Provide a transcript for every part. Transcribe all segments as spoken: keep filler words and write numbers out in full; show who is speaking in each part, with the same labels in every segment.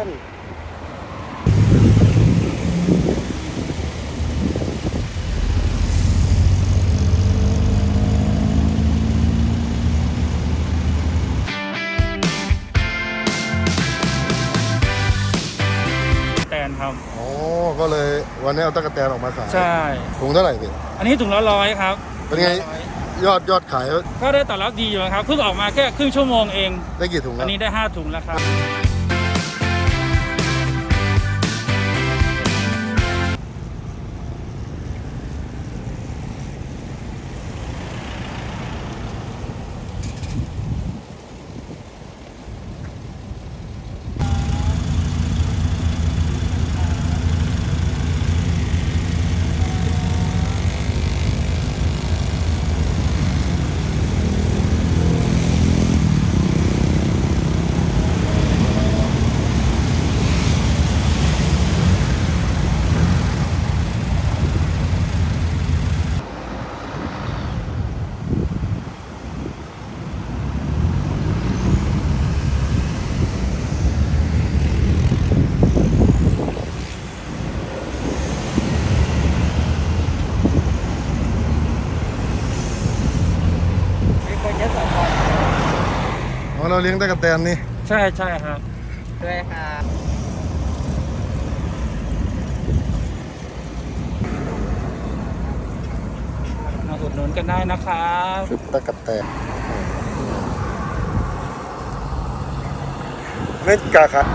Speaker 1: น
Speaker 2: แตนครับ
Speaker 1: โอ้ก็เลยวันนี้เอาตะกั่วแตนออกมาขาย
Speaker 2: ใช่
Speaker 1: ถุงเท่าไหร่พี่
Speaker 2: อันนี้ถุงละร้อยครับ
Speaker 1: เป็นไงยอดยอดขาย
Speaker 2: ก็ได้ตอบรับดีอยู่ครับเพิ่งออกมาแค่ครึ่งชั่วโมงเอง
Speaker 1: ได้กี่ถุง
Speaker 2: อันนี้ได้ห้าถุงแล้วครับ
Speaker 1: อ๋อเราเลี้ยงตะกั่วแตนนี่
Speaker 2: ใช่ใช่ครับ
Speaker 3: ด้วยครับ
Speaker 2: มาอุดหนุนกันได้นะครับ
Speaker 1: ชุดตะกั่วแตนไม่กาครับ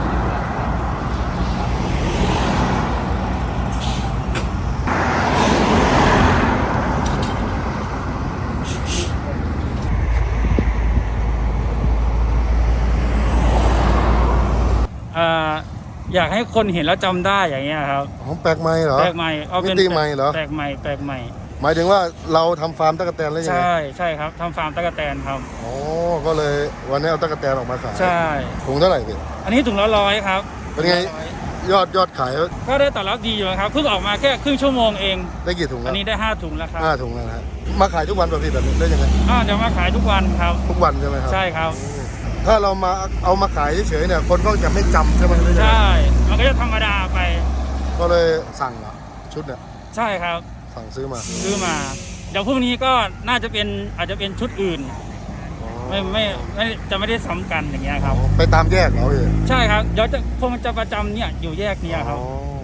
Speaker 2: อยากให้คนเห็นแล้วจำได้อย่างเงี้ยครับ
Speaker 1: อ๋อแปลกใหม่เหรอ
Speaker 2: แปลกใหม่เอาเป็น
Speaker 1: มิติใหม่เหรอ
Speaker 2: แปลกใหม่แปลกใหม่
Speaker 1: หมายถึงว่าเราทำฟาร์มตะกั่วแตนแล้วยังไง
Speaker 2: ใช่ใช่ครับทำฟาร์มตะกั่วแตนครับ
Speaker 1: โอ้ก็เลยวันนี้เอาตะกั่วแตนออกมาขาย
Speaker 2: ใช่
Speaker 1: ถุงเท่าไหร่พี่
Speaker 2: อันนี้ถุงละร้อยครับ
Speaker 1: เป็นไงยอดยอดขาย
Speaker 2: ก็ได้ตอบรับดีอยู่ครับเพิ่งออกมาแค่ครึ่งชั่วโมงเอง
Speaker 1: ได้กี่ถุง
Speaker 2: อันนี้ได้ห้าถุงแล้วครับ
Speaker 1: ห้าถุงแล้วนะฮะมาขายทุกวันป่ะพี่แบบนี้ได้ยังไง
Speaker 2: อ่าเดี๋ยวมาขายทุกวันครับ
Speaker 1: ทุกวันใช่ไหมครับ
Speaker 2: ใช่ครับ
Speaker 1: ถ้าเรามาเอามาขายเฉยๆเนี่ยคนก็จะไม่จำใช่ไหม
Speaker 2: ใช่มันก็จะธรรมดาไป
Speaker 1: ก็เลยสั่งเหรอชุดเนี่ย
Speaker 2: ใช่ครับ
Speaker 1: สั่งซื้อมา
Speaker 2: ซื้อมาเดี๋ยวพรุ่งนี้ก็น่าจะเป็นอาจจะเป็นชุดอื่นไม่ไม่ไม่จะไม่ได้ซ้ำกันอย่างเงี้ยครับ
Speaker 1: ไปตามแยกเหรอพี่
Speaker 2: ใช่ครับเดี๋ยวจะคงจะประจำเนี่ยอยู่แยกเนี้ยครับ